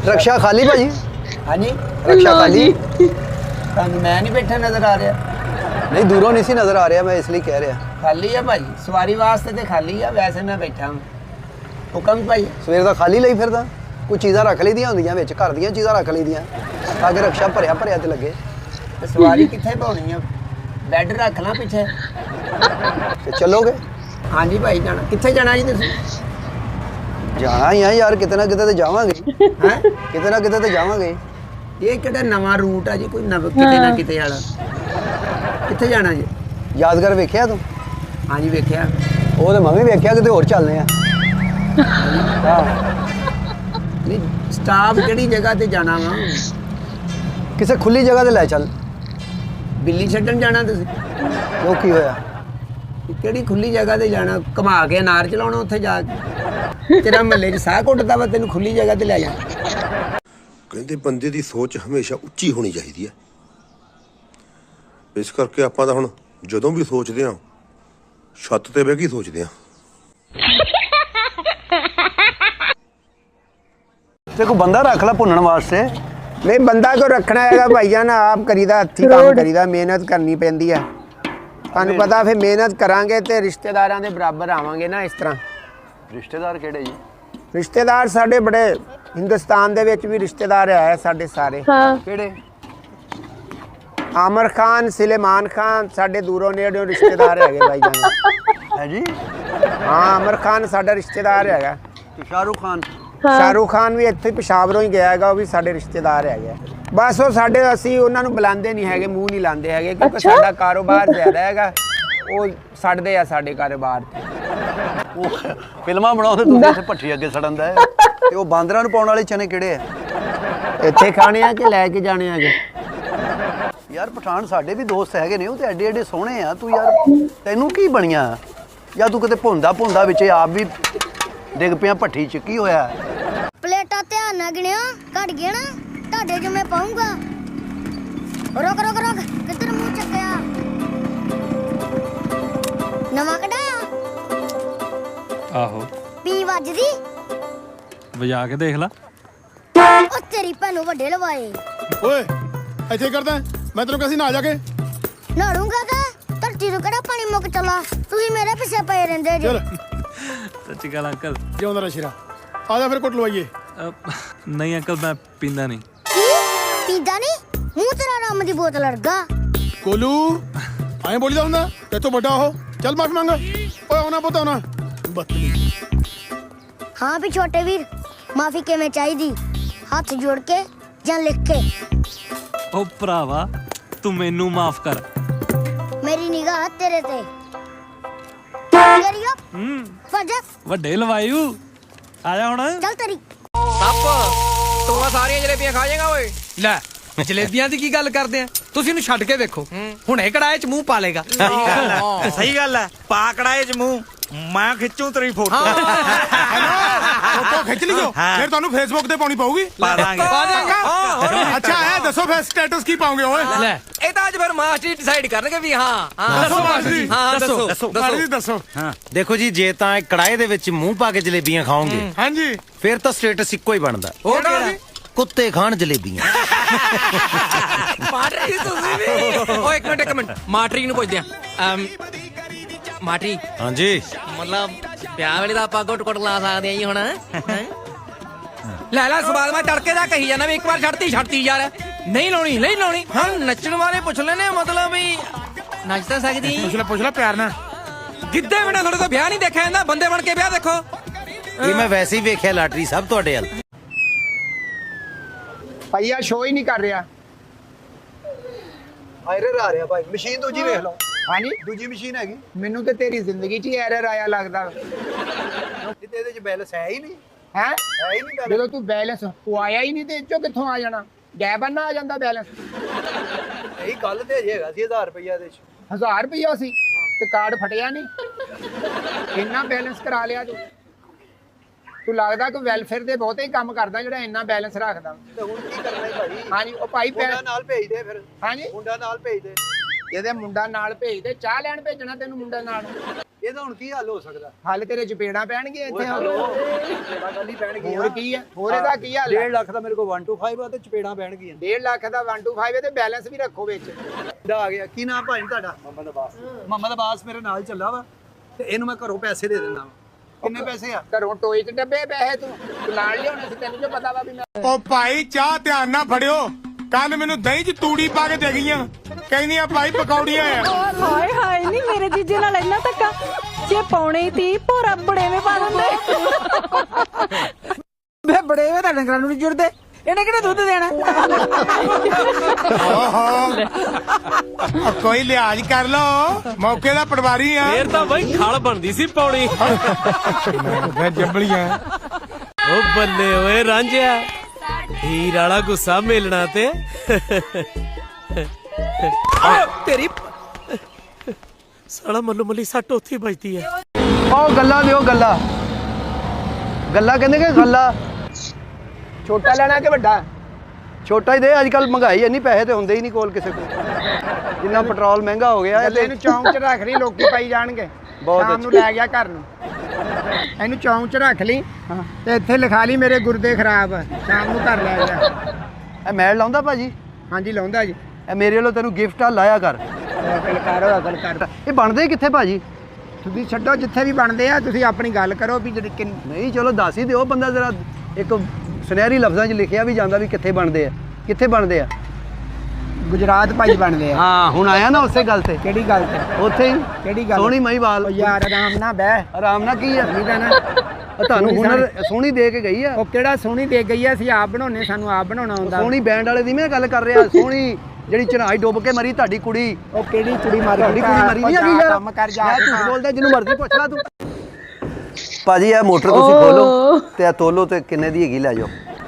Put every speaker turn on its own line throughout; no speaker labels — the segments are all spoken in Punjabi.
रक्षा खाली भाजी?
हाँ जी
रक्षा खाली?
मैं नहीं बैठा नजर आ रहा।
नहीं दूरों नहीं सी नजर आ रहा, मैं इसलिए कह रहा।
खाली है भाई, सवारी वास्ते तो खाली है, वैसे मैं बैठा हूँ। हुक्म भाई।
सवेर का खाली ਲਈ ਫਿਰਦਾ ਕੋਈ ਚੀਜ਼ਾਂ ਰੱਖ ਲਈਆਂ ਹੁੰਦੀਆਂ ਵਿੱਚ, ਘਰ ਦੀਆਂ ਚੀਜ਼ਾਂ ਰੱਖ ਲਈਆਂ ਤਾਂ ਕਿ ਰਕਸ਼ਾ ਭਰਿਆ ਭਰਿਆ ਤੇ ਲੱਗੇ।
ਤੇ ਸਵਾਰੀ ਕਿੱਥੇ ਪਾਉਣੀ ਆ? ਬੈੱਡ ਰੱਖ ਲਾਂ ਪਿੱਛੇ।
ਤੇ ਚੱਲੋਗੇ?
ਹਾਂਜੀ ਭਾਈ ਜਾਣਾ। ਕਿੱਥੇ ਜਾਣਾ ਜੀ ਤੁਸੀਂ?
ਜਾਣਾ ਹੀ ਆ ਯਾਰ, ਕਿਤੇ ਨਾ ਕਿਤੇ ਤੇ ਜਾਵਾਂਗੇ।
ਹੈ
ਕਿਤੇ ਨਾ ਕਿਤੇ ਤੇ ਜਾਵਾਂਗੇ।
ਇਹ ਕਿਹੜਾ ਨਵਾਂ ਰੂਟ ਆ ਜੀ, ਕੋਈ ਕਿਤੇ ਨਾ ਕਿਤੇ ਵਾਲਾ? ਕਿੱਥੇ ਜਾਣਾ ਜੀ?
ਯਾਦਗਾਰ ਵੇਖਿਆ ਤੂੰ?
ਹਾਂਜੀ ਵੇਖਿਆ।
ਉਹ ਤੇ ਮੈਂ ਵੀ ਵੇਖਿਆ, ਕਿਤੇ ਹੋਰ ਚੱਲਦੇ ਆ।
ਨਹੀਂ ਸਟਾਫ ਕਿਹੜੀ ਜਗ੍ਹਾ ਤੇ ਜਾਣਾ ਵਾ?
ਕਿਸੇ ਖੁੱਲੀ ਜਗ੍ਹਾ ਤੇ ਲੈ ਚੱਲ।
ਬਿੱਲੀ ਛੱਡਣ ਜਾਣਾ ਤੁਸੀਂ?
ਉਹ ਕੀ ਹੋਇਆ?
ਕਿਹੜੀ ਖੁੱਲੀ ਜਗ੍ਹਾ ਤੇ ਜਾਣਾ? ਘੁਮਾ ਕੇ ਅਨਾਰ ਚਲਾਉਣਾ ਉੱਥੇ ਜਾ ਕੇ? ਤੇਰਾ ਮਹੱਲੇ 'ਚ ਸਾਹ ਘੁੱਟਦਾ ਵਾ, ਤੈਨੂੰ ਖੁੱਲੀ ਜਗ੍ਹਾ ਤੇ ਲੈ ਜਾ।
ਕਹਿੰਦੇ ਬੰਦੇ ਦੀ ਸੋਚ ਹਮੇਸ਼ਾ ਉੱਚੀ ਹੋਣੀ ਚਾਹੀਦੀ ਹੈ। ਇਸ ਕਰਕੇ ਆਪਾਂ ਤਾਂ ਹੁਣ ਜਦੋਂ ਵੀ ਸੋਚਦੇ ਹਾਂ ਛੱਤ ਤੇ ਬਹਿ ਕੇ ਸੋਚਦੇ ਹਾਂ।
ਤੇ ਕੋਈ ਬੰਦਾ ਰੱਖ ਲੈ ਭੁੰਨਣ ਵਾਸਤੇ।
ਨਹੀਂ ਬੰਦਾ ਕੋ ਰੱਖਣਾ ਹੈਗਾ ਭਾਈਜਾਨ, ਆਪ ਕਰੀਦਾ, ਹੱਥੀਂ ਕੰਮ ਕਰੀਦਾ, ਮਿਹਨਤ ਕਰਨੀ ਪੈਂਦੀ ਆ। ਤੁਹਾਨੂੰ ਪਤਾ ਫਿਰ ਮਿਹਨਤ ਕਰਾਂਗੇ ਤੇ ਰਿਸ਼ਤੇਦਾਰਾਂ ਦੇ ਬਰਾਬਰ ਆਵਾਂਗੇ ਨਾ। ਇਸ ਤਰ੍ਹਾਂ
ਰਿਸ਼ਤੇਦਾਰ ਕਿਹੜੇ ਜੀ?
ਰਿਸ਼ਤੇਦਾਰ ਸਾਡੇ ਬੜੇ ਹਿੰਦੁਸਤਾਨ ਦੇ ਵਿੱਚ ਵੀ ਰਿਸ਼ਤੇਦਾਰ ਹੈ ਸਾਡੇ ਸਾਰੇ।
ਕਿਹੜੇ?
ਆਮਰ ਖਾਨ, ਸੁਲੇਮਾਨ ਖਾਨ ਸਾਡੇ ਦੂਰੋਂ ਨੇੜਿਓਂ ਰਿਸ਼ਤੇਦਾਰ ਹੈਗੇ ਭਾਈਜਾਨ।
ਹੈ ਜੀ?
ਹਾਂ ਆਮਰ ਖਾਨ ਸਾਡਾ ਰਿਸ਼ਤੇਦਾਰ ਹੈਗਾ।
ਤੇ ਸ਼ਾਹਰੁਖ ਖਾਨ?
ਸ਼ਾਹਰੁਖ ਖਾਨ ਵੀ ਇੱਥੇ ਪਿਸ਼ਾਵਰੋਂ ਹੀ ਗਿਆ ਹੈਗਾ, ਉਹ ਵੀ ਸਾਡੇ ਰਿਸ਼ਤੇਦਾਰ ਹੈਗੇ। ਬਸ ਉਹ ਸਾਡੇ, ਅਸੀਂ ਉਹਨਾਂ ਨੂੰ ਬੁਲਾਉਂਦੇ ਨਹੀਂ ਹੈਗੇ, ਮੂੰਹ ਨਹੀਂ ਲਾਉਂਦੇ ਹੈਗੇ, ਕਿਉਂਕਿ ਸਾਡਾ ਕਾਰੋਬਾਰ ਜ਼ਿਆਦਾ ਹੈਗਾ। ਉਹ ਸੜਦੇ ਆ ਸਾਡੇ ਕਾਰੋਬਾਰ ਤੇ।
ਉਹ ਫਿਲਮਾਂ ਬਣਾਉਂਦੇ, ਤੁਸੀਂ ਇੱਥੇ ਭੱਠੀ ਅੱਗੇ ਸੜਨ ਦਾ। ਤੇ ਉਹ ਬਾਂਦਰਾਂ ਨੂੰ ਪਾਉਣ ਵਾਲੇ ਚਨੇ ਕਿਹੜੇ ਆ?
ਇੱਥੇ ਖਾਣੇ ਆ ਕਿ ਲੈ ਕੇ ਜਾਣੇ ਹੈਗੇ?
ਯਾਰ ਪਠਾਨ ਸਾਡੇ ਵੀ ਦੋਸਤ ਹੈਗੇ ਨੇ, ਉਹ ਤੇ ਐਡੇ ਐਡੇ ਸੋਹਣੇ ਆ। ਤੂੰ ਯਾਰ ਤੈਨੂੰ ਕੀ ਬਣੀਆਂ? ਜਾਂ ਤੂੰ ਕਿਤੇ ਭੁੰਦਾ ਵਿੱਚ ਆਪ ਵੀ ਡਿੱਗ ਪਿਆ ਭੱਠੀ 'ਚ? ਕੀ ਹੋਇਆ?
ਪਲੇਟਾਂ ਧਿਆਨ ਨਾਲ ਗਿਣਿਓ, ਘਟ ਗਿਆ ਨਾ ਤੁਹਾਡੇ ਜੋ ਮੈਂ ਪਾਉਂਗਾ। ਰੁਕ ਰੁਕ ਰੁਕ, ਕਿੱਧਰ ਮੂੰਹ ਚੱਕਿਆ? ਨਵਾਂ ਕਢਾਇਆ?
ਆਹੋ
ਪੀ ਵੱਜਦੀ?
ਵਜਾ ਕੇ ਦੇਖ ਲਾ।
ਉਹ ਤੇਰੀ ਭੈਣ ਨੂੰ ਵੱਡੇ ਲਵਾਏ।
ਓਏ ਇੱਥੇ ਕਰਦਾ ਮੈਂ ਤੈਨੂੰ ਕਹਿੰਦਾ ਸੀ ਨਾ ਜਾ ਕੇ
ਨਾੜੂੰਗਾ ਕਾ? ਧਰਤੀ ਤੋਂ ਕਿਹੜਾ ਪਾਣੀ ਮੁੱਕ ਚਲਾ? ਤੁਸੀਂ ਮੇਰੇ ਪਿੱਛੇ ਪਏ ਰਹਿੰਦੇ ਜੀ।
ਚਲ
ਸੱਚੀ ਗੱਲ ਅੰਕਲ।
ਜਿਉਂਦਾ ਰਹਿ ਸ਼ੇਰਾ। ਆ ਜਾ ਫਿਰ ਕੁੱਟ ਲਵਾਈਏ।
ਨਹੀਂ ਅੰਕਲ ਮੈਂ ਪੀਂਦਾ ਨਹੀਂ।
ਕੀ ਪੀਂਦਾ ਨਹੀਂ? ਮੂੰਹ ਤੇਰਾ ਰੰਮ ਦੀ ਬੋਤਲ ਅੜਗਾ।
ਕੋਲੂ ਐਂ ਬੋਲੀਦਾ ਹੁੰਦਾ ਤੇਤੋਂ ਵੱਡਾ ਉਹ। ਚੱਲ ਮਾਫੀ ਮੰਗ। ਓਏ ਆਉਣਾ ਪੁੱਤ ਆਉਣਾ। ਬਦਤਮੀਜ਼।
ਹਾਂ ਵੀ ਛੋਟੇ ਵੀਰ, ਮਾਫੀ ਕਿਵੇਂ ਚਾਹੀਦੀ? ਹੱਥ ਜੋੜ ਕੇ ਜਾਂ ਲਿਖ ਕੇ?
ਉਹ ਭਰਾਵਾ ਤੂੰ ਮੈਨੂੰ ਮਾਫ ਕਰ।
ਮੇਰੀ ਨਿਗਾਹ ਤੇਰੇ ਤੇ। ਕਰੀਓ ਫਜ
ਵੱਡੇ ਲਵਾਇਓ। ਆ ਜਾ ਹੁਣ।
ਚੱਲ ਤੇਰੀ।
ਤੂੰ ਆ ਸਾਰੀਆਂ ਜਲੇਬੀਆਂ ਖਾ ਜਾਏਗਾ ਓਏ। ਲੈ ਜਲੇਬੀਆਂ ਦੀ ਕੀ ਗੱਲ ਕਰਦੇ ਆ? ਤੁਸੀਂ ਇਹਨੂੰ ਛੱਡ ਕੇ ਵੇਖੋ, ਹੁਣੇ ਕੜਾਏ 'ਚ ਮੂੰਹ ਪਾ ਲੇਗਾ।
ਸਹੀ ਗੱਲ ਹੈ, ਪਾ ਕੜਾਏ 'ਚ ਮੂੰਹ। ਮੈਂ ਖਿੱਚੂ ਤੇਰੀ ਫੋਟੋ।
ਫੋਟੋ ਖਿੱਚ ਲਿਓ, ਫਿਰ ਤੁਹਾਨੂੰ ਫੇਸਬੁੱਕ ਤੇ ਪਾਉਣੀ ਪਊਗੀ।
ਪਾ ਦਾਂਗੇ।
ਅੱਛਾ ਇਹ ਦੱਸੋ ਫਿਰ ਸਟੇਟਸ ਕੀ ਪਾਉਂਗੇ ਓਏ?
ਲੈ ਇਹ ਤਾਂ ਅੱਜ ਫਿਰ ਮਾਸਟਰ ਡਿਸਾਈਡ ਕਰਨਗੇ ਵੀ ਹਾਂ
ਦੱਸੋ ਮਾਸਟਰ ਜੀ।
ਹਾਂ
ਦੱਸੋ,
ਦੱਸੋ
ਮਾਸਟਰ ਜੀ ਦੱਸੋ।
ਹਾਂ ਦੇਖੋ ਜੀ, ਜੇ ਤਾਂ ਕੜਾਏ ਦੇ ਵਿੱਚ ਮੂੰਹ ਪਾ ਕੇ ਜਲੇਬੀਆਂ ਖਾਓਗੇ
ਹਾਂਜੀ
ਫਿਰ ਤਾਂ ਸਟੇਟਸ ਇੱਕੋ ਹੀ ਬਣਦਾ।
ਉਹ ਕਿਹੜਾ?
ਕੁੱਤੇ ਖਾਣ ਜਲੇਬੀਆਂ।
ਮਾਟਰੀ ਤੁਸੀਂ ਵੀ। ਓਏ ਇੱਕ ਮਿੰਟ ਮਾਟਰੀ ਨੂੰ ਪੁੱਛਦੇ ਆ। ਮਾਟਰੀ
ਹਾਂਜੀ
ਮਤਲਬ ਵਿਆਹ ਵੇਲੇ ਦਾ ਆਪਾਂ ਗੁੱਟ ਲਾ ਸਕਦੇ ਆਂ ਜੀ ਹੁਣ? ਲੈ ਸਵਾਲ ਮੈਂ ਤੜਕੇ ਦਾ ਕਹੀ ਜਾਂਦਾ ਵੀ ਇੱਕ ਵਾਰ ਛੱਡਤੀ ਯਾਰ। ਨਹੀਂ ਲਾਉਣੀ। ਹਾਂ ਨੱਚਣ ਵਾਲੇ ਪੁੱਛ ਲੈਨੇ, ਮਤਲਬ ਵੀ ਨੱਚ ਤਾਂ ਸਕਦੀ।
ਪੁੱਛ ਲੈ ਪਿਆਰ ਨਾਲ।
ਗਿੱਧੇ ਬਿਨਾਂ ਤੁਹਾਡੇ ਤੋਂ ਵਿਆਹ ਨਹੀਂ ਦੇਖਿਆ ਜਾਂਦਾ, ਬੰਦੇ ਬਣ ਕੇ ਵਿਆਹ ਦੇਖੋ।
ਇਹ ਮੈਂ ਵੈਸੇ ਹੀ ਵੇਖਿਆ ਲਾਟਰੀ ਸਭ ਤੁਹਾਡੇ ਵੱਲ।
ਭਈਆ ਸ਼ੋ ਹੀ ਨਹੀਂ ਕਰ ਰਿਹਾ।
ਐਰਰ ਆ ਰਿਹਾ ਭਾਈ, ਮਸ਼ੀਨ ਦੂਜੀ ਵੇਖ ਲਓ।
ਹਾਂਜੀ
ਦੂਜੀ ਮਸ਼ੀਨ ਹੈਗੀ।
ਮੈਨੂੰ ਤੇ ਤੇਰੀ ਜ਼ਿੰਦਗੀ 'ਚ ਹੀ ਐਰਰ ਆਇਆ ਲੱਗਦਾ।
ਜਿੱਤੇ ਇਹਦੇ 'ਚ ਬੈਲੈਂਸ ਹੈ ਹੀ ਨਹੀਂ।
ਹੈ
ਹੈ ਹੀ ਨਹੀਂ ਬੈਲੈਂਸ।
ਜਦੋਂ ਤੂੰ ਬੈਲੈਂਸ ਪਵਾਇਆ ਹੀ ਨਹੀਂ ਤੇ ਇਹ 'ਚੋਂ ਕਿੱਥੋਂ ਆ ਜਾਣਾ? ਗੈਬਨ ਨਾ ਆ ਜਾਂਦਾ ਬੈਲੈਂਸ।
ਇਹੀ ਗੱਲ ਤੇ ਅਜੇ ਹੈਗਾ ਸੀ 1000 ਰੁਪਇਆ ਇਹਦੇ 'ਚ।
1000 ਰੁਪਇਆ ਸੀ ਤੇ ਕਾਰਡ ਫਟਿਆ ਨਹੀਂ। ਇੰਨਾ ਬੈਲੈਂਸ ਕਰਾ ਲਿਆ ਤੂੰ ਲੱਗਦਾ ਕਿ ਵੈਲਫੇਅਰ ਦੇ ਬਹੁਤੇ ਹੀ ਕੰਮ ਕਰਦਾ ਜਿਹੜਾ ਇੰਨਾ ਬੈਲੈਂਸ ਰੱਖਦਾ।
ਤੇ ਹੁਣ ਕੀ ਕਰਨਾ ਹੈ ਭਾਈ?
ਹਾਂਜੀ ਉਹ ਭਾਈ
ਮੁੰਡਾ ਨਾਲ ਭੇਜ ਦੇ ਫਿਰ।
ਹਾਂਜੀ
ਮੁੰਡਾ ਨਾਲ ਭੇਜ ਦੇ।
ਇਹਦੇ ਮੁੰਡਾ ਨਾਲ ਭੇਜ ਦੇ, ਚਾਹ ਲੈਣ ਭੇਜਣਾ ਤੈਨੂੰ ਮੁੰਡਾ ਨਾਲ।
ਇਹਦਾ ਹੁਣ ਕੀ ਹੱਲ ਹੋ ਸਕਦਾ?
ਹੱਲ ਤੇਰੇ ਚਪੇੜਾਂ ਪੈਣਗੀਆਂ ਇੱਥੇ।
ਚਪੇੜਾਂ ਗੱਲ ਹੀ ਪੈਣਗੀਆਂ।
ਹੋਰ ਕੀ ਆ? ਹੋਰ ਇਹਦਾ ਕੀ ਹੱਲ?
1.5 ਲੱਖ ਦਾ ਮੇਰੇ ਕੋਲ 1 to 5 ਆ ਤੇ ਚਪੇੜਾਂ ਪੈਣਗੀਆਂ।
1.5 ਲੱਖ ਦਾ 1 to 5 ਤੇ ਬੈਲੈਂਸ ਵੀ ਰੱਖੋ ਵਿੱਚ।
ਦਾ ਆ ਗਿਆ। ਕੀ ਨਾਮ ਭਾਈ ਤੁਹਾਡਾ? ਮੁਹੰਮਦ ਅਬਾਸ। ਮੁਹੰਮਦ ਅਬਾਸ ਮੇਰੇ ਨਾਲ ਚੱਲਾ ਵਾ ਤੇ ਇਹਨੂੰ ਮੈਂ ਘਰੋਂ ਪੈਸੇ ਦੇ ਦਿੰਦਾ ਵਾ। ਕਿੰਨੇ ਪੈਸੇ ਆ?
ਘਰੋਂ ਟੋਏ 'ਚ ਡੱਬੇ ਪੈਸੇ ਤੂੰ ਨਾਲ ਲਿਆਉਣੇ ਸੀ, ਤੈਨੂੰ ਜੋ ਪਤਾ ਵਾ ਵੀ ਮੈਂ।
ਉਹ ਭਾਈ ਚਾਹ ਧਿਆਨ ਨਾਲ ਫੜਿਓ, ਕੱਲ ਮੈਨੂੰ ਦਹੀਂ 'ਚ ਤੂੜੀ ਪਾ ਕੇ ਦੇ ਗਈਆਂ, ਕਹਿੰਦੀਆਂ ਭਾਈ ਪਕੌੜੀਆਂ ਆ।
ਹਾਏ ਹਾਏ ਨਹੀਂ ਮੇਰੇ ਜੀਜੇ ਨਾਲ ਇੰਨਾ ਧੱਕਾ, ਜੇ ਪਾਉਣੇ ਹੀ ਤੀ ਭੋਰਾ ਬੜੇਵੇਂ ਪਾ ਦਿੰਦੇ।
ਵੇ ਬੜੇਵੇਂ ਤਾਂ ਡੰਗਰਾਂ ਨੂੰ ਨਹੀਂ ਜੁੜਦੇ, ਇਹਨੇ ਕਿਹੜਾ ਦੁੱਧ ਦੇਣਾ।
ਓਹੋ ਕੋਈ ਲਿਹਾਜ਼ ਕਰ ਲੋ, ਮੌਕੇ ਦਾ ਪਟਵਾਰੀ ਆ।
ਫੇਰ ਤਾਂ ਬਈ ਖਲ ਬਣਦੀ ਸੀ ਪੌੜੀ।
ਮੈਂ ਜੰਬਲੀਆਂ।
ਓ ਬੱਲੇ ਓਏ ਰਾਂਝਿਆ, ਹੀਰ ਵਾਲਾ ਗੁੱਸਾ ਮੇਲਣਾ ਤੇ ਤੇਰੀ ਸਾਲਾ ਮੱਲੂ ਮੱਲੀ ਸੱਟ ਉੱਥੇ ਵੱਜਦੀ ਹੈ।
ਉਹ ਗੱਲਾਂ ਦਿਓ ਗੱਲਾਂ। ਗੱਲਾਂ ਕਹਿੰਦੇ ਕਿ ਗੱਲਾਂ।
ਛੋਟਾ ਲੈਣਾ ਕਿ ਵੱਡਾ?
ਛੋਟਾ ਹੀ ਦੇ। ਅੱਜ ਕੱਲ ਮਹਿੰਗਾਈ ਇੰਨੀ, ਪੈਸੇ ਤੇ ਹੁੰਦੇ ਹੀ ਨਹੀਂ ਕੋਲ ਕਿਸੇ ਕੋਲ। ਜਿੰਨਾ ਪੈਟਰੋਲ ਮਹਿੰਗਾ ਹੋ ਗਿਆ
ਗੱਲੇ ਨੂੰ ਚੌਂਕ 'ਚ ਰੱਖ ਲਈ, ਲੋਕੀ ਪਾਈ ਜਾਣਗੇ।
ਬਹੁਤ
ਸ਼ਾਮ ਨੂੰ ਲੈ ਗਿਆ ਘਰ ਨੂੰ। ਇਹਨੂੰ ਚੌਂਕ 'ਚ ਰੱਖ ਲਈ ਤੇ ਇੱਥੇ ਲਿਖਾ ਲਈ ਮੇਰੇ ਗੁਰਦੇ ਖਰਾਬ ਆ, ਸ਼ਾਮ ਨੂੰ ਘਰ ਲੈ ਜਾ।
ਇਹ ਮੈਲ ਲਾਉਂਦਾ ਭਾਜੀ?
ਹਾਂਜੀ ਲਾਉਂਦਾ ਜੀ।
ਇਹ ਮੇਰੇ ਵੱਲੋਂ ਤੈਨੂੰ ਗਿਫਟ ਆ, ਲਾਇਆ ਕਰ।
ਅਕਲ ਕਰ, ਅਕਲ ਕਰ।
ਇਹ ਬਣਦੇ ਕਿੱਥੇ ਭਾਜੀ?
ਤੁਸੀਂ ਛੱਡੋ ਜਿੱਥੇ ਵੀ ਬਣਦੇ ਆ, ਤੁਸੀਂ ਆਪਣੀ ਗੱਲ ਕਰੋ ਵੀ ਜਿਹੜੀ
ਨਹੀਂ ਚਲੋ ਦੱਸ ਹੀ ਦਿਓ। ਬੰਦਾ ਜ਼ਰਾ ਇੱਕ ਸੁਨਹਿਰੀ ਲਫ਼ਜ਼ਾਂ 'ਚ ਲਿਖਿਆ ਵੀ ਜਾਂਦਾ ਵੀ ਕਿੱਥੇ ਬਣਦੇ ਆ। ਕਿੱਥੇ ਬਣਦੇ ਆ?
ਗੁਜਰਾਤ ਭਾਈ ਬਣਦੇ ਆ।
ਹਾਂ ਹੁਣ ਆਇਆ ਨਾ ਉਸੇ ਗੱਲ ਤੇ।
ਕਿਹੜੀ ਗੱਲ ਤੇ?
ਉੱਥੇ ਹੀ
ਕਿਹੜੀ ਗੱਲ?
ਸੋਹਣੀ ਮਹੀਵਾਲ।
ਉਹ ਯਾਰ ਆਰਾਮ ਨਾਲ ਬਹਿ।
ਆਰਾਮ ਨਾਲ ਕੀ ਆ?
ਠੀਕ ਆ ਨਾ?
ਉਹ ਤੁਹਾਨੂੰ ਹੁਨਰ ਸੋਹਣੀ ਦੇ ਕੇ ਗਈ ਆ।
ਉਹ ਕਿਹੜਾ ਸੋਹਣੀ ਦੇ ਗਈ ਆ, ਅਸੀਂ ਆਪ ਬਣਾਉਣੇ, ਸਾਨੂੰ ਆਪ ਬਣਾਉਣਾ ਆਉਂਦਾ।
ਸੋਹਣੀ ਬੈਂਡ ਵਾਲੇ ਦੀ ਮੈਂ ਗੱਲ ਕਰ ਰਿਹਾ। ਸੋਹਣੀ ਜਿਹੜੀ ਚੜਾਈ ਡੁੱਬ ਕੇ ਮਰੀ ਤੁਹਾਡੀ ਕੁੜੀ।
ਉਹ ਕਿਹੜੀ ਕੁੜੀ ਮਾਰੀ?
ਤੁਹਾਡੀ ਕੁੜੀ ਮਰੀ ਨਹੀਂ ਹੈਗੀ ਯਾਰ।
ਕੰਮ ਕਰ ਜਾ।
ਮੈਂ ਝੂਠ ਬੋਲਦਾ, ਜਿਹਨੂੰ ਮਰਜ਼ੀ ਪੁੱਛ ਲੈ ਤੂੰ। ਭਾਜੀ ਇਹ ਮੋਟਰ ਤੁਸੀਂ ਖੋਲੋ ਤੇ ਇਹ ਤੋਲੋ ਤੇ ਕਿੰਨੇ ਦੀ ਹੈਗੀ ਲੈ ਜਾਓ।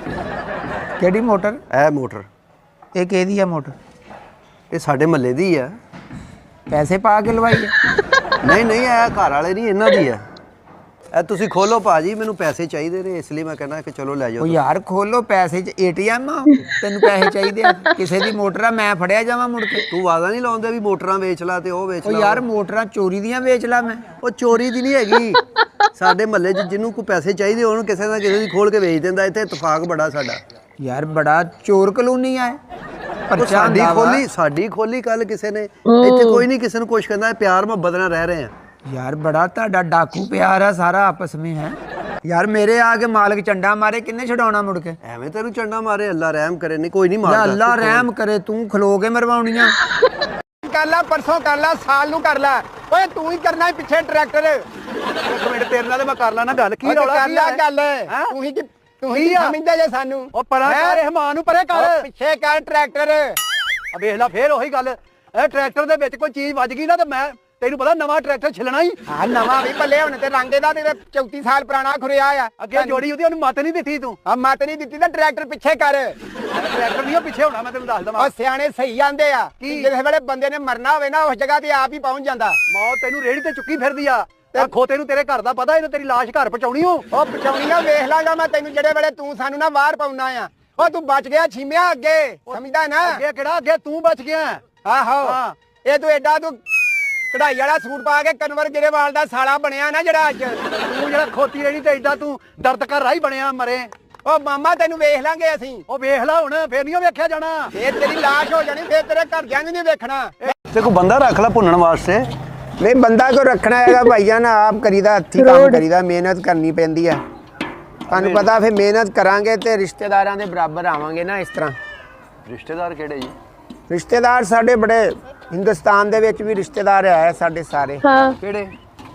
ਕਿਹੜੀ ਮੋਟਰ?
ਇਹ ਮੋਟਰ।
ਇਹ ਕਿਹਦੀ ਆ ਮੋਟਰ?
ਇਹ ਸਾਡੇ ਮਹੱਲੇ ਦੀ ਆ।
ਪੈਸੇ ਪਾ ਕੇ ਲਵਾਈ ਆ?
ਨਹੀਂ ਨਹੀਂ ਇਹ ਘਰ ਵਾਲੇ ਨਹੀਂ, ਇਹਨਾਂ ਦੀ ਆ। ਇਹ ਤੁਸੀਂ ਖੋਲੋ ਭਾਜੀ, ਮੈਨੂੰ ਪੈਸੇ ਚਾਹੀਦੇ ਨੇ, ਇਸ ਲਈ ਮੈਂ ਕਹਿੰਦਾ ਕਿ ਚਲੋ ਲੈ
ਉਹ
ਜਾਓ।
ਯਾਰ ਖੋਲੋ, ਪੈਸੇ 'ਚ ATM ਆ, ਤੈਨੂੰ ਪੈਸੇ ਚਾਹੀਦੇ ਆ? ਕਿਸੇ ਦੀ ਮੋਟਰ ਆ, ਮੈਂ ਫੜਿਆ ਜਾਵਾਂ ਮੁੜ ਕੇ?
ਤੂੰ ਵਾਦਾ ਨਹੀਂ ਲਾਉਂਦੇ ਵੀ ਮੋਟਰਾਂ ਵੇਚ ਲਾ ਤੇ ਉਹ ਵੇਚ
ਉਹ
ਲਾ।
ਯਾਰ ਮੋਟਰਾਂ ਚੋਰੀ ਦੀਆਂ ਵੇਚ ਲਾ ਮੈਂ?
ਉਹ ਚੋਰੀ ਦੀ ਨਹੀਂ ਹੈਗੀ। ਸਾਡੇ ਮਹੱਲੇ 'ਚ ਜਿਹਨੂੰ ਕੋਈ ਪੈਸੇ ਚਾਹੀਦੇ ਉਹਨੂੰ ਕਿਸੇ ਨਾ ਕਿਸੇ ਦੀ ਖੋਲ ਕੇ ਵੇਚ ਦਿੰਦਾ। ਇੱਥੇ ਇਤਫਾਕ ਬੜਾ ਸਾਡਾ।
ਯਾਰ ਬੜਾ ਚੋਰ ਕਲੋਨੀ ਆ।
ਉਹ ਸਾਡੀ ਖੋਲੀ ਕੱਲ ਕਿਸੇ ਨੇ। ਇੱਥੇ ਕੋਈ ਨਹੀਂ ਕਿਸੇ ਨੂੰ ਕੁਛ ਕਹਿੰਦਾ, ਪਿਆਰ ਮੁਹੱਬਤ ਨਾਲ ਰਹਿ ਰਹੇ ਆ।
ਯਾਰ ਬੜਾ ਤੁਹਾਡਾ ਡਾਕੂ ਪਿਆਰ ਆ ਸਾਰਾ ਆਪਸ ਵਿੱਚ ਹੈ। ਯਾਰ ਮੇਰੇ ਆ ਕੇ ਮਾਲਕ ਚੰਡਾ ਮਾਰੇ, ਕਿੰਨੇ ਛਡਾਉਣਾ ਮੁੜ ਕੇ?
ਐਵੇਂ ਤੈਨੂੰ ਚੰਡਾ ਮਾਰੇ, ਅੱਲਾ ਰਹਿਮ ਕਰੇ। ਨਹੀਂ ਕੋਈ ਨਹੀਂ ਮਾਰਦਾ।
ਅੱਲਾ ਰਹਿਮ ਕਰੇ, ਤੂੰ ਖਲੋ ਕੇ ਮਰਵਾਉਣੀਆਂ। ਕਰ ਲਾ, ਪਰਸੋਂ ਕਰ ਲਾ, ਸਾਲ ਨੂੰ ਕਰ ਲਾ। ਓਏ ਤੂੰ ਹੀ ਕਰਨਾ ਪਿੱਛੇ ਟਰੈਕਟਰ।
ਇੱਕ ਮਿੰਟ ਤੇਰੇ ਨਾਲ ਮੈਂ ਕਰ ਲਾ ਨਾ ਗੱਲ। ਕੀ ਰੌਲਾ
ਕਰ
ਕੀ
ਲੈ
ਹੈ?
ਗੱਲ। ਤੂੰ ਹੀ ਸਮਝਦਾ ਜੇ ਸਾਨੂੰ।
ਉਹ ਪਰਾਂ ਕਰ, ਰਹਿਮਾਨ ਨੂੰ ਪਰੇ ਕਰ।
ਪਿੱਛੇ ਕਰ ਟਰੈਕਟਰ।
ਆ ਵੇਖ ਲੈ ਫੇਰ ਉਹੀ ਗੱਲ। ਇਹ ਟਰੈਕਟਰ ਦੇ ਵਿੱਚ ਕੋਈ ਚੀਜ਼ ਵੱਜ ਗਈ ਨਾ ਤੇ ਮੈਂ ਤੈਨੂੰ ਪਤਾ ਨਵਾਂ ਟਰੈਕਟਰ ਛਿਲਣਾ ਹੀ।
ਹਾਂ ਨਵਾਂ ਵੀ ਭੱਲੇ ਹੁਣ ਤੇ ਰੰਗ ਦਾ ਤੇ 34 ਸਾਲ ਪੁਰਾਣਾ ਖੁਰਿਆ ਆ।
ਅੱਗੇ ਜੋੜੀ ਉਹਦੀ, ਉਹਨੂੰ ਮੱਤ ਨਹੀਂ ਦਿੱਤੀ ਤੂੰ।
ਆ ਮੱਤ ਨਹੀਂ ਦਿੱਤੀ ਤਾਂ ਟਰੈਕਟਰ ਪਿੱਛੇ ਕਰ।
ਟਰੈਕਟਰ ਨਹੀਂ ਪਿੱਛੇ ਹੋਣਾ, ਮੈਂ ਤੈਨੂੰ ਦੱਸ ਦਵਾਂ।
ਉਹ ਸਿਆਣੇ ਸਹੀ ਆਂਦੇ ਆ ਕਿ ਜਿਹੜੇ ਵੇਲੇ ਬੰਦੇ ਨੇ ਮਰਨਾ ਹੋਵੇ ਨਾ, ਉਸ ਜਗ੍ਹਾ ਤੇ ਆਪ ਹੀ ਪਹੁੰਚ ਜਾਂਦਾ।
ਮੌਤ ਤੈਨੂੰ ਰੇੜੀ ਤੇ ਚੁੱਕੀ ਫਿਰਦੀ ਆ। ਤੇ ਖੋਤੇ ਨੂੰ ਤੇਰੇ ਘਰ ਦਾ ਪਤਾ, ਇਹਨੂੰ ਤੇਰੀ ਲਾਸ਼ ਘਰ ਪਹੁੰਚਾਉਣੀ ਹੋ।
ਉਹ ਪਹੁੰਚਾਉਣੀ ਆ, ਵੇਖ ਲਾਂਗਾ ਮੈਂ ਤੈਨੂੰ ਜਿਹੜੇ ਵੇਲੇ ਤੂੰ ਸਾਨੂੰ ਨਾ ਬਾਹਰ ਪਾਉਣਾ ਆ। ਉਹ ਤੂੰ ਬਚ ਗਿਆ ਛੀਮਿਆ ਅੱਗੇ, ਸਮਝਦਾ ਨਾ?
ਅੱਗੇ ਕਿਹੜਾ? ਅੱਗੇ ਤੂੰ ਬਚ ਗਿਆ।
ਆਹੋ ਇਹ ਤੂੰ ਐਡਾ ਤੂੰ ਕਢਾਈ ਵਾਲਾ ਸੂਟ ਪਾ ਕੇ ਕਨਵਰ ਗਿਰੇਵਾਲ ਦਾ ਸਾਲਾ ਬਣਿਆ ਨਾ ਜਿਹੜਾ ਅੱਜ।
ਤੂੰ ਜਿਹੜਾ ਖੋਤੀ ਰੇੜੀ ਤੇ ਐਡਾ ਤੂੰ ਦਰਦ ਕਰ ਰਾਈ ਬਣਿਆ ਮਰੇ।
ਉਹ ਮਾਮਾ ਤੈਨੂੰ ਵੇਖ ਲਾਂਗੇ ਅਸੀਂ।
ਉਹ ਵੇਖ ਲੈ ਹੁਣ, ਫੇਰ ਨਹੀਂ ਵੇਖਿਆ ਜਾਣਾ।
ਫੇਰ ਤੇਰੀ ਲਾਸ਼ ਹੋ ਜਾਣੀ, ਫੇਰ ਤੇਰੇ ਘਰਦਿਆਂ ਨੂੰ ਨਹੀਂ ਵੇਖਣਾ।
ਤੇ ਕੋਈ ਬੰਦਾ ਰੱਖ ਲੈ ਭੁੰਨਣ ਵਾਸਤੇ।
ਨਹੀਂ ਬੰਦਾ ਕੋ ਰੱਖਣਾ ਹੈਗਾ ਭਾਈਆ ਨਾ, ਆਪ ਕਰੀਦਾ, ਹੱਥੀਂ ਕੰਮ ਕਰੀਦਾ, ਮਿਹਨਤ ਕਰਨੀ ਪੈਂਦੀ ਆ। ਤੁਹਾਨੂੰ ਪਤਾ ਫਿਰ ਮਿਹਨਤ ਕਰਾਂਗੇ ਤੇ ਰਿਸ਼ਤੇਦਾਰਾਂ ਦੇ ਬਰਾਬਰ ਆਵਾਂਗੇ ਨਾ ਇਸ ਤਰ੍ਹਾਂ।
ਰਿਸ਼ਤੇਦਾਰ ਕਿਹੜੇ ਜੀ?
ਰਿਸ਼ਤੇਦਾਰ ਸਾਡੇ ਬੜੇ ਹਿੰਦੁਸਤਾਨ ਦੇ ਵਿੱਚ ਵੀ ਰਿਸ਼ਤੇਦਾਰ ਆਏ ਸਾਡੇ ਸਾਰੇ।
ਕਿਹੜੇ?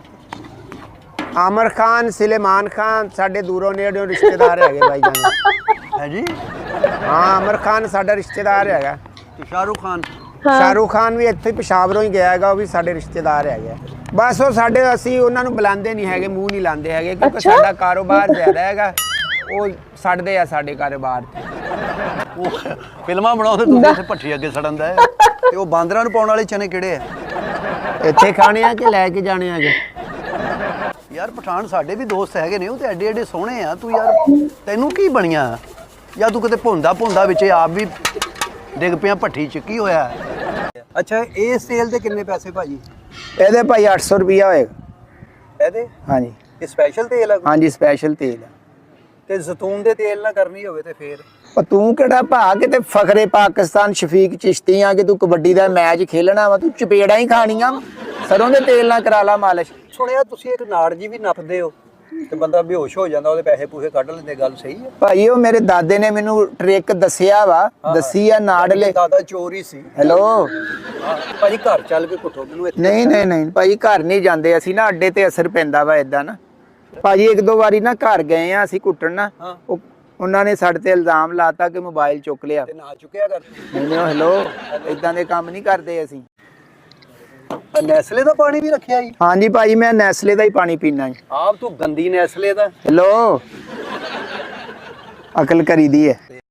ਆਮਰ ਖਾਨ, ਸੁਲੇਮਾਨ ਖਾਨ ਸਾਡੇ ਦੂਰੋਂ ਨੇੜਿਓਂ ਰਿਸ਼ਤੇਦਾਰ ਹੈਗੇ ਭਾਈ ਜਾਨ।
ਹੈ ਜੀ?
ਹਾਂ ਆਮਰ ਖਾਨ ਸਾਡਾ ਰਿਸ਼ਤੇਦਾਰ ਹੈਗਾ।
ਤੇ ਸ਼ਾਹਰੁਖ ਖਾਨ?
ਸ਼ਾਹਰੁਖ ਖਾਨ ਵੀ ਇੱਥੇ ਪਿਸ਼ਾਵਰੋਂ ਹੀ ਗਿਆ ਹੈਗਾ, ਉਹ ਵੀ ਸਾਡੇ ਰਿਸ਼ਤੇਦਾਰ ਹੈਗੇ। ਬਸ ਉਹ ਸਾਡੇ, ਅਸੀਂ ਉਹਨਾਂ ਨੂੰ ਬੁਲਾਉਂਦੇ ਨਹੀਂ ਹੈਗੇ, ਮੂੰਹ ਨਹੀਂ ਲਾਉਂਦੇ ਹੈਗੇ, ਕਿਉਂਕਿ ਸਾਡਾ ਕਾਰੋਬਾਰ ਜ਼ਿਆਦਾ ਹੈਗਾ। ਉਹ ਸੜਦੇ ਆ ਸਾਡੇ ਕਾਰੋਬਾਰ ਤੇ।
ਉਹ ਫਿਲਮਾਂ ਬਣਾਉਂਦੇ, ਤੁਸੀਂ ਇੱਥੇ ਭੱਠੀ ਅੱਗੇ ਸੜਨ ਦਾ। ਤੇ ਉਹ ਬਾਂਦਰਾਂ ਨੂੰ ਪਾਉਣ ਵਾਲੇ ਚਨੇ ਕਿਹੜੇ ਆ?
ਇੱਥੇ ਖਾਣੇ ਆ ਕਿ ਲੈ ਕੇ ਜਾਣੇ ਹੈਗੇ?
ਯਾਰ ਪਠਾਨ ਸਾਡੇ ਵੀ ਦੋਸਤ ਹੈਗੇ ਨੇ, ਉਹ ਤੇ ਐਡੇ ਐਡੇ ਸੋਹਣੇ ਆ। ਤੂੰ ਯਾਰ ਤੈਨੂੰ ਕੀ ਬਣੀਆਂ? ਜਾਂ ਤੂੰ ਕਿਤੇ ਭੁੰਦਾ ਵਿੱਚ ਆਪ ਵੀ ਡਿੱਗ ਪਿਆ ਭੱਠੀ ਚ? ਕੀ ਹੋਇਆ? ਅੱਛਾ ਇਸ ਤੇਲ ਦੇ ਕਿੰਨੇ ਪੈਸੇ ਭਾਜੀ?
ਇਹਦੇ ਭਾਈ 800 ਰੁਪਿਆ ਹੋਏਗਾ।
ਇਹਦੇ
ਹਾਂਜੀ
ਇਹ ਸਪੈਸ਼ਲ ਤੇਲ ਆ ਕੋਈ?
ਹਾਂਜੀ ਸਪੈਸ਼ਲ ਤੇਲ ਆ।
ਤੇ ਜ਼ੈਤੂਨ ਦੇ ਤੇਲ ਨਾਲ ਕਰਨੀ ਹੋਵੇ ਤੇ ਫੇਰ
ਪਰ ਤੂੰ ਕਿਹੜਾ ਭਾ ਕਿਤੇ ਫਖਰੇ ਪਾਕਿਸਤਾਨ ਸ਼ਫੀਕ ਚਿਸ਼ਤੀ ਆ ਕਿ ਤੂੰ ਕਬੱਡੀ ਦਾ ਮੈਚ ਖੇਲਣਾ ਵਾ, ਤੂੰ ਚਪੇੜਾਂ ਹੀ ਖਾਣੀਆਂ ਵਾਂ। ਸਰੋਂ ਦੇ ਤੇਲ ਨਾਲ ਕਰਾ ਲਾ ਮਾਲਿਸ਼।
ਸੁਣਿਆ ਤੁਸੀਂ ਇੱਕ ਨਾੜ ਜੀ ਵੀ ਨੱਪਦੇ ਹੋ ਤੇ ਬੰਦਾ ਬੇਹੋਸ਼ ਹੋ ਜਾਂਦਾ, ਉਹਦੇ ਪੈਸੇ ਪੂਸੇ ਕੱਢ ਲੈਂਦੇ, ਗੱਲ ਸਹੀ ਹੈ?
ਭਾਈ ਉਹ ਮੇਰੇ ਦਾਦੇ ਨੇ ਮੈਨੂੰ ਟ੍ਰਿਕ ਦੱਸਿਆ ਵਾ, ਦੱਸੀ ਆ ਨਾੜਲੇ।
ਦਾਦਾ ਚੋਰ ਹੀ ਸੀ।
ਹੈਲੋ
ਭਾਜੀ ਘਰ ਚੱਲ ਕੇ ਕੁੱਟੋ ਮੈਨੂੰ ਇੱਥੇ।
ਨਹੀਂ ਭਾਈ ਘਰ ਨਹੀਂ ਜਾਂਦੇ ਅਸੀਂ ਨਾ, ਅੱਡੇ ਤੇ ਅਸਰ ਪੈਂਦਾ ਵਾ ਇਦਾਂ ਨਾ। ਭਾਜੀ ਇੱਕ ਦੋ ਵਾਰੀ ਨਾ ਘਰ ਗਏ ਆ ਅਸੀਂ ਕੁੱਟਣ ਨਾ, ਉਹਨਾਂ ਨੇ ਸਾਡੇ ਤੇ ਇਲਜ਼ਾਮ ਲਾਤਾ ਕਿ ਮੋਬਾਈਲ ਚੁੱਕ ਲਿਆ।
ਤੇ ਨਾ ਚੁੱਕਿਆ ਕਰ।
ਨਹੀਂ ਹੈਲੋ ਇਦਾਂ ਦੇ ਕੰਮ ਨਹੀਂ ਕਰਦੇ ਅਸੀਂ।
ਨੈਸਲੇ ਦਾ ਪਾਣੀ ਵੀ ਰੱਖਿਆ ਜੀ?
ਹਾਂਜੀ ਭਾਜੀ ਮੈਂ ਨੈਸਲੇ ਦਾ ਹੀ ਪਾਣੀ ਪੀਣਾ ਜੀ।
ਆਪ ਤੂੰ ਗੰਦੀ ਨੈਸਲੇ ਦਾ।
ਹੈਲੋ ਅਕਲ ਕਰੀਦੀ ਹੈ।